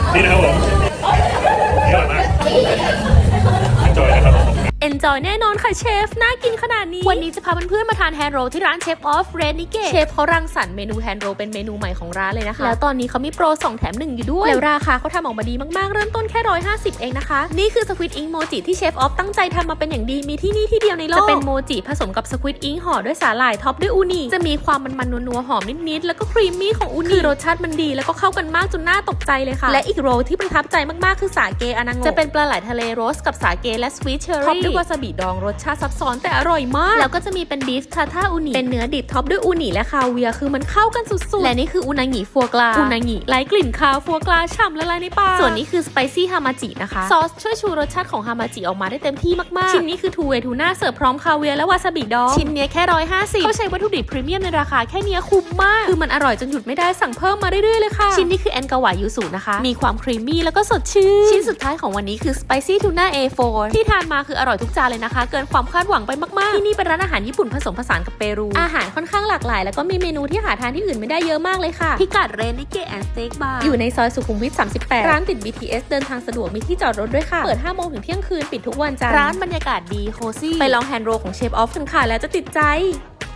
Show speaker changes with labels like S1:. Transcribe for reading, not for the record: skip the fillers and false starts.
S1: นี่นะครับผมนี่อร่อยมากจอยนะครับผม
S2: Enjoy แน่นอนค่ะเชฟน่ากินขนาดนี้วันนี้จะพาเพื่อนๆมาทานแฮนด์โรลที่ร้านเชฟออฟเรนิเกะเชฟเขารังสรรค์เมนูแฮนด์โรลเป็นเมนูใหม่ของร้านเลยนะคะแล้วตอนนี้เขามีโปร2แถม1อยู่ด้วยแล้วราคาเขาทำออกมาดีมากๆเริ่มต้นแค่150เองนะคะนี่คือสควิดอิงโมจิที่เชฟออฟตั้งใจทำมาเป็นอย่างดีมีที่นี่ที่เดียวในโลกจะเป็นโมจิผสมกับสควิดอิงห่อด้วยสาหร่ายท็อปด้วยอูนิจะมีความมันๆนัวๆหอมนิดๆแล้วก็ครีมมี่ของอูนิคือรสชาติมันดีแล้วก็เข้ากันมากจนน่าตกใจเลยค่ะและอีกโรลที่ประทับใจมากๆคือสาเกอานังโงจะเป็นปลาไหลทะเลโรสกับสาเกและสวีทเชอร์รี่ท็อปด้วยวาซาบิดองรสชาติซับซ้อนแต่อร่อยมากแล้วก็จะมีเป็นบีฟทาท่าอูนิเป็นเนื้อดิบท็อปด้วยอูนิและคาเวียร์คือมันเข้ากันสุดๆและนี่คืออูนางิฟัวกราอูนางิไร้กลิ่นคาวฟัวกราฉ่ำละลายในปากส่วนนี้คือสไปซี่ฮามาจินะคะซอสช่วยชูรสชาติของฮามาจิออกมาได้เต็มที่มากๆชิ้นนี้คือทูเวทูน่าเสิร์ฟพร้อมคาเวียร์และวาซาบิดองชิ้นนี้แค่150เขาใช้วัตถุดิบพรีเมียมในราคาแค่นี้คุ้มมากคือมันอร่อยจนหยุดไม่ได้สั่งเพิ่มมาเรื่อยๆเลยค่ะชิ้นนี้คือแอนกาวายูสุนะคะมีความครีมมี่แล้วก็สดชื่นชิ้นสุดท้ายของวันนี้คือสไปซี่ทูน่า A4 ที่ทานมาคืออร่อยทุกจานเลยนะคะเกินความคาดหวังไปมากๆที่นี่เป็นร้านอาหารญี่ปุ่นผสมผสานกับเปรูอาหารค่อนข้างหลากหลายแล้วก็มีเมนูที่หาทานที่อื่นไม่ได้เยอะมากเลยค่ะพิกัดเรนิเกะแอนด์สเต็กบาร์อยู่ในซอยสุขุมวิท38ร้านติด BTS เดินทางสะดวกมีที่จอดรถด้วยค่ะเปิด5 โมงถึงเที่ยงคืนปิดทุกวันจันทร์ร้านบรรยากาศดีโคซี่ไปลองแฮนด์โรลของเชฟออฟกันค่ะแล้วจะติดใจ